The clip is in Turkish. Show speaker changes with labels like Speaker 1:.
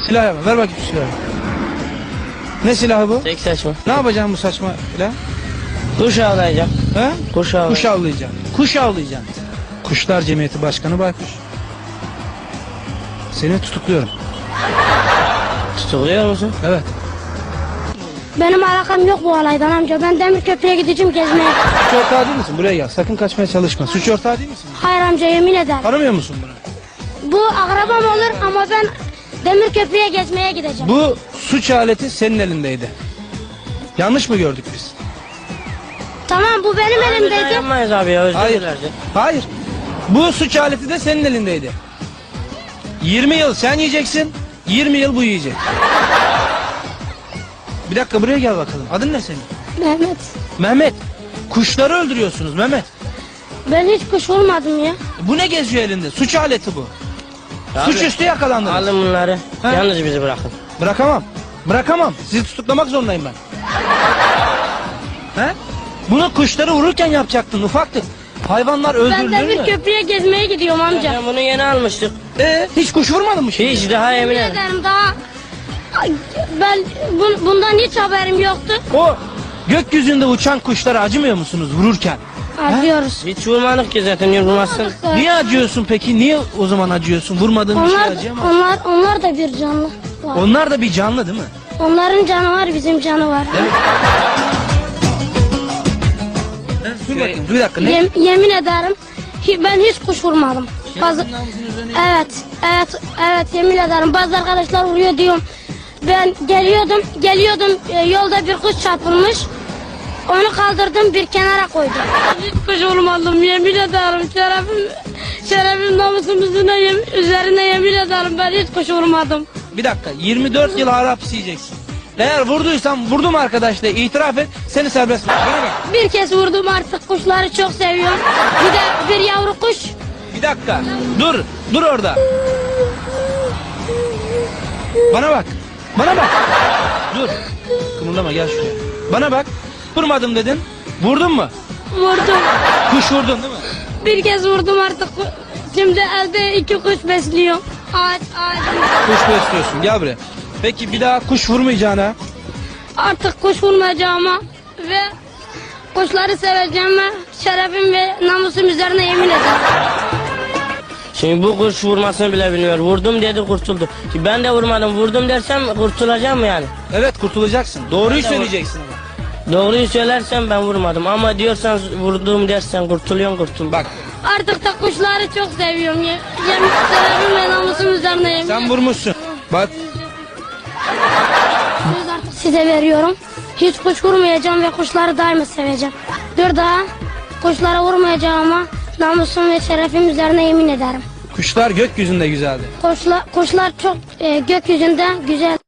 Speaker 1: Silah yapma. Ver bakayım şu silahı. Ne silahı bu?
Speaker 2: Tek saçma.
Speaker 1: Ne yapacaksın bu saçma silah?
Speaker 2: Kuş avlayacağım.
Speaker 1: He?
Speaker 2: Kuş avlayacağım.
Speaker 1: Kuş avlayacaksın. Kuş avlayacaksın. Kuşlar Cemiyeti Başkanı Baykuş. Seni tutukluyorum.
Speaker 2: Tutukluyor musun?
Speaker 1: Evet.
Speaker 3: Benim alakam yok bu olaydan amca. Ben Demirköprü'ye gideceğim gezmeye.
Speaker 1: Suç ortağı değil misin? Buraya gel. Sakın kaçmaya çalışma. Suç ortağı değil misin?
Speaker 3: Hayır amca, yemin ederim.
Speaker 1: Tanımıyor musun bunu?
Speaker 3: Bu akrabam olur ama ben Demirköprü'ye gezmeye gideceğim.
Speaker 1: Bu suç aleti senin elindeydi. Yanlış mı gördük biz?
Speaker 3: Tamam, bu benim
Speaker 2: Biz
Speaker 3: elimdeydi.
Speaker 2: yapmayız abi ya, özür
Speaker 1: Hayır.
Speaker 2: dileriz.
Speaker 1: Hayır. Bu suç aleti de senin elindeydi. 20 yıl sen yiyeceksin, 20 yıl bu yiyecek. Bir dakika buraya gel bakalım. Adın ne senin?
Speaker 3: Mehmet.
Speaker 1: Mehmet. Kuşları öldürüyorsunuz Mehmet.
Speaker 3: Ben hiç kuş olmadım ya.
Speaker 1: Bu ne geziyor elinde? Suç aleti bu.
Speaker 2: Abi,
Speaker 1: Suçüstü yakalandınız.
Speaker 2: alın bunları.
Speaker 1: Ha?
Speaker 2: Yalnız bizi bırakın.
Speaker 1: Bırakamam. Bırakamam. Sizi tutuklamak zorundayım ben. He? Bunu kuşları vururken yapacaktın ufaktık. Hayvanlar
Speaker 3: Ben
Speaker 1: öldürülür mü?
Speaker 3: Demirköprü'ye gezmeye gidiyorum amca.
Speaker 2: Ben bunu yeni almıştık.
Speaker 1: Hiç kuş vurmadın mı şimdi?
Speaker 2: Hiç daha emin
Speaker 3: Yemin
Speaker 2: ederim.
Speaker 3: ederim daha. Ay, ben bundan hiç haberim yoktu.
Speaker 1: O gökyüzünde uçan kuşlara acımıyor musunuz vururken?
Speaker 3: Acıyoruz.
Speaker 2: Hiç vurmadık ki zaten, yorulmazsın.
Speaker 1: Niye acıyorsun peki? Niye o zaman acıyorsun? Vurmadığın bir şey acıyor mu?
Speaker 3: Onlar da bir canlı var.
Speaker 1: Onlar da bir canlı değil mi?
Speaker 3: Onların canı var, bizim canı var.
Speaker 1: Dur bakayım, bir dakika. Ne?
Speaker 3: Yemin ederim ben hiç kuş vurmadım. Evet, yemin ederim. Bazı arkadaşlar vuruyor diyorum. Ben geliyordum, yolda bir kuş çarpılmış. Onu kaldırdım, bir kenara koydum. Hiç kuş vurmadım, yemin ederim. Şerefim namusumuzun üzerine yemin ederim, ben hiç kuş vurmadım.
Speaker 1: Bir dakika, 24 yıl ağır hapis yiyeceksin. Eğer vurduysan vurdum arkadaş de itiraf et, seni serbest bırak. Bana bak.
Speaker 3: Bir kez vurdum, artık kuşları çok seviyorum. Bir de bir yavru kuş.
Speaker 1: Bir dakika, dur orada. Bana bak, dur. Kımıldama, gel şuraya. Bana bak, vurmadım dedin, vurdun mu?
Speaker 3: Vurdum.
Speaker 1: Kuş vurdun değil mi?
Speaker 3: Bir kez vurdum artık. Şimdi elde 2 kuş besliyorum. Ağaç.
Speaker 1: Kuş besliyorsun, gel buraya. Peki bir daha kuş vurmayacağına?
Speaker 3: Artık kuş vurmayacağıma ve kuşları seveceğime şerefim ve namusum üzerine yemin ederim.
Speaker 2: Şimdi bu kuş vurmasını bile bilmiyor. Vurdum dedi, kurtuldu. Ki ben de vurmadım, vurdum dersem kurtulacağım mı yani?
Speaker 1: Evet, kurtulacaksın. Doğruyu söyleyeceksin ama.
Speaker 2: Doğruyu söylersem ben vurmadım ama diyorsan vurdum dersen kurtul.
Speaker 1: Bak,
Speaker 3: Artık da kuşları çok seviyorum. Şerefim ve namusum üzerine yemin
Speaker 1: sen
Speaker 3: ederim.
Speaker 1: vurmuşsun. Bak,
Speaker 3: Söz artık size veriyorum. Hiç kuş vurmayacağım ve kuşları daima seveceğim. Bir daha kuşlara vurmayacağıma namusum ve şerefim üzerine yemin ederim.
Speaker 1: kuşlar gökyüzünde güzeldi.
Speaker 3: Kuşlar çok gökyüzünde güzel.